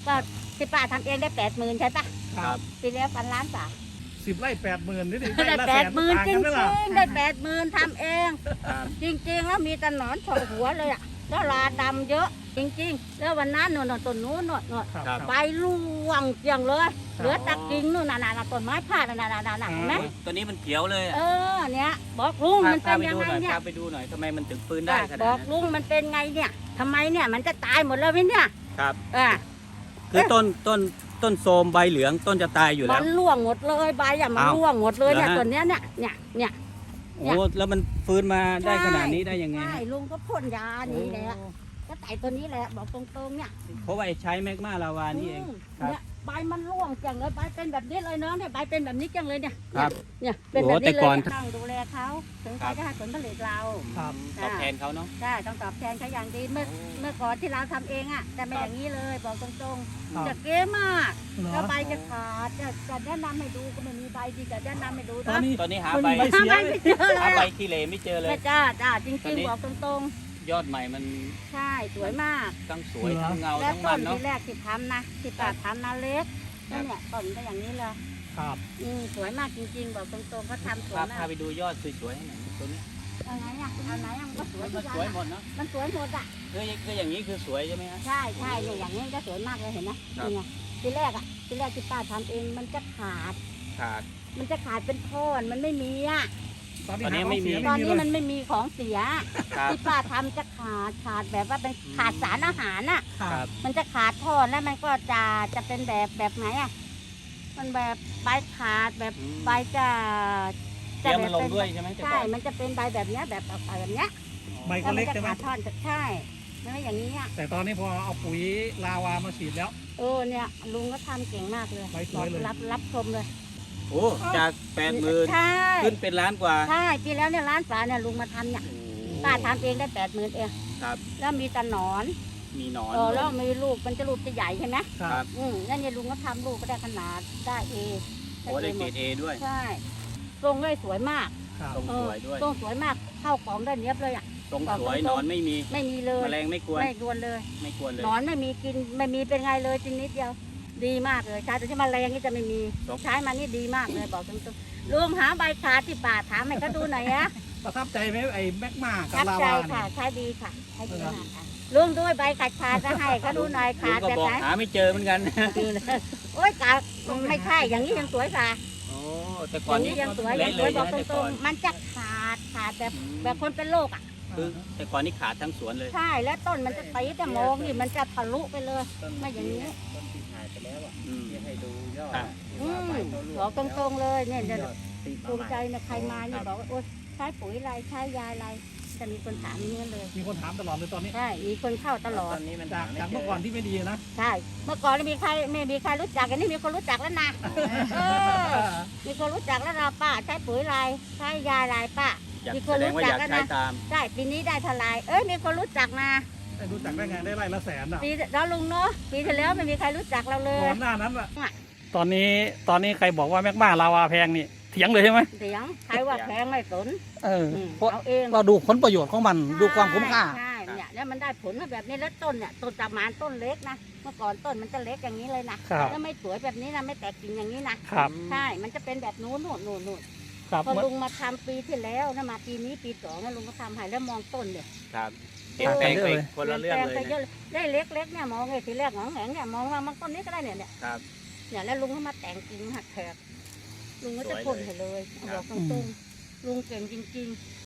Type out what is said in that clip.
ก็ที่ป้าทำเองได้80,000ใช่ปะครับปีแล้ว1,000 ล้านบาท 10 ไร่ 80,000นี่ดิได้ละ 80,000จริงต่ากันไหมล่ะๆได้80,000ทำเองครับจริงๆแล้วมีแต่หนอนเฉาะหัวเลยอ่ะแล้วราดำเยอะจริงๆแล้ววันนั้นโน่นต้นนู้นโน่นครับใบร่วงเกลียงเลยเหลือแตะกิ่งนู่นน่ะต้นไม้พาดน่ะเห็นไหมตัวนี้มันเขียวเลยอะเนี่ยบอกลุงมันพาเป็นไปยังดูไงหน่อยเนี่ยพาไปดูหน่อยทำไมมันถึงฟื้นได้ขนาดบอกนั้นลุงมันเป็นไงเนี่ยทำไมเนี่ยมันจะตายหมดแล้วไหมเนี่ยครับคือต้นโทรมใบเหลืองต้นจะตายอยู่มัแล้วนร่วงหมดเลยใบอ่ะมันอ้าวร่วงหมดเลยเนี่ยเหรอฮะต้นเนี้ยเนี่ยโอ้แล้วมันฟื้นมาได้ขนาดนี้ได้ยังไงใช่ฮะลุงก็พ่นยานี่แหละก็ไต่ตัวนี้แหละบอกตรงๆเนี่ยเพราะว่าใช้แมกมาลาวานี่เอง ครับเนี่ยใบมันร่วงจังเลยใบเป็นแบบนี้เลยเนาะเนี่ยใบเป็นแบบนี้จังเลยเนี่ยครับเนี่ยเป็นแบบโอ้แต่นี้เลก่อนยต้องดูแลเขาถึงเขาจะให้ผลผลิตเราครับตอบแทนเขาเนาะใช่ต้องตอบแทนเขาอย่างดีเมื่อก่อนที่เราทำเองอ่ะแต่ไม่อย่างนี้เลยบอกตรงครับๆจะเก๋มากเหรอแล้วใบจะขาดจะแนะนำให้ดูก็ไม่มีใบดีจะแนะนำให้ดูตอนนะนี้ตอนนี้หามันใบมีใบเสียใบไม่เจอเลหาย ใบขี้เหร่ไม่เจอเลยไม่จ้าจตอนริงนี้ๆบอกตรงยอดใหม่มันๆใช่สวยมากทั้งสวยทั้งเงาและทั้งต้มัน นเนาะที่แรกที่ทำนะที่ป้าทำนะเล็กเนี่ยต้นก็อย่างนี้เลยครับสวยมากจริงๆบอกตรงๆก็ทำสวยมาพาก ไปดูยอดสวยๆให้หน่อยตัวนี้เอาไหนอ่ะมันก็สวยมันทุกสวยอย่างหมดเนาะมันสวยหมดอ่ะคืออย่างนี้คือสวยใช่ไหมฮะใช่เนี่ยอย่างนี้ก็สวยมากเลยเห็นไหมครับนี่ไงทีแรกที่ป้าทำเองมันจะขาดขาดมันจะขาดเป็นท่อนมันไม่มีอ่ะตอนนี้ตอนนี้หาไม่มีของเสียตอนนี้เลยมันไม่มีของเสียครับที่ป้าทำจะขาดแบบว่าเป็นขาดสารอาหารอ่ะครับมันจะขาดท่อนแล้วมันก็จะเป็นแบบไหนอ่ะมันแบบใบขาดแบบใบจะเดี๋ยวมันลงด้วยใช่ไหมแต่ใช่ก่อนมันจะเป็นใบแบบเนี้ยแบบแบบเนี้ยใบแล้ก็วมัเล็กจะใช่ไหมขาดท่อนใช่ไม่อย่างนี้อ่ะแต่ตอนนี้พอเอาปุ๋ยลาวามาฉีดแล้วเนี่ยลุงก็ทำเก่งมากเลยใบสวยเลยรับชมเลยโอ้จาก80,000 ใช่ขึ้นเป็นล้านกว่าใช่ปีแล้วเนี่ยร้านฝาเนี่ยลุงมาทำเนี่ยป้าทำเองได้80,000เองครับแล้วมีแต่หนอนมีหนอนแล้วมีลูกมันจะลูกจะใหญ่ใช่ไหมครับแล้วเนี่ยลุงก็ทำลูกก็ได้ขนาดได้เอโอ้ได้เกรด A ด้วยใช่ทรงได้สวยมากครับทรงสวยด้วยทรงสวยมากเข้ากล่องได้เนี้ยบเลยอ่ะทรงสวยหนอนไม่มีไม่มีเลยแมลงไม่กวนไม่กวนเลยไม่กวนเลยหนอนไม่มีกินไม่มีเป็นไงเลยจริงนิดเดียวดีมากเลยใช้แต่ที่แมลงนี่จะไม่มีใช้มานี่ดีมากเลยบอกตรงๆลุงหาใบขาที่ป่าถามให้เขาดูหน่อยนะประทับใจไหมไอ้แมกมากับรับลาใจวาค่ะเนี่ยใช้ดีค่ะใช้ดีมากค่ะลุงด้วยใบขาดจะให้เขาดูหน่อยลุขาง ดก็แบบบอกไหนหาไม่เจอเหมือนกันโอ้ยขาดไม่ใช่อย่างนี้ยังสวยค่ะโอ้แต่อก่อนย่างนี้นี้ยังสวยเละยังเลสวยยบอกนะตแต่รก่อง นๆมันจะขาดแบบคนเป็นโรคอ่ะคือแต่ก่อนนี่ขาดทั้งสวนเลยใช่แล้วต้นมันจะตีแต่มองนี่มันจะทะลุไปเลยไม่อย่างนี้อืมให้ดูยอดครับบอกตรงๆเลยเนี่ยภูมิใจนะใครมาเนี่ยบอกว่าโอ๊ยใช้ปุ๋ยอะไรใช้ยาอะไรจะมีคนถามอย่างนี้เลยมีคนถามตลอดเลยตอนนี้ใช่มีคนเข้าตลอตดอนนี้มันจากเมื่อก่อนที่ไม่ดีนะใช่ เมื่อก่อนไม่มีใครรู้จักอันนี้มีคนรู้จักแล้วนะมีคนรู้จักแล้วนะป้าใช้ปุ๋ยอะไรใช้ยาอะไรป้าอยากมีคแสนดรู้งว่าจัอก ยากแล้วใช้นะตามได้ปีนี้ได้เท่าไหรมีคนรู้จักนะได้รู้จักได้ไงได้ไร่ละแสนอ่ะปีแล้วลุงเนาะปีที่แล้วไม่มีใครรู้จักเราเลก่ยอนหน้านั้นอ่ะตอนนี้ใครบอกว่าแมกมาลาวาแพงนี่เถียงเลยใช่ไหมเสียงใครว่าแพงไม่สนเพราะเอาเองเราดูผลประโยชน์ของมันดูความคุ้มค่าใช่เนี่ยแล้วมันได้ผลมาแบบนี้แล้วต้นเนี่ยต้นตะมานต้นเล็กนะเมื่อก่อนต้นมันจะเล็กอย่างนี้เลยนะครับ แล้วไม่สวยแบบนี้นะไม่แตกกิ่งอย่างนี้นะครับ ใช่มันจะเป็นแบบนู้นนู่นครับพอลุงมาทำปีที่แล้วนะมาปีนี้ปีสองนะลุงก็ทำให้แล้วมองต้นเนี่ยครับเปลี่ยนแปลงไปคนละเรื่องเลยปนแปไปเยนะอะได้เล็กๆเนี่ยมองไงทีแรกหงแหงเนี่ยมองว่ามันต้นนี้ก็ได้เนี่ยครับเนี่ยแล้วลุงก็มาแต่งกิ่งหักแถบลุงก็จะพ่นให้เลยครับบอกตรงๆลุงเก่งจริง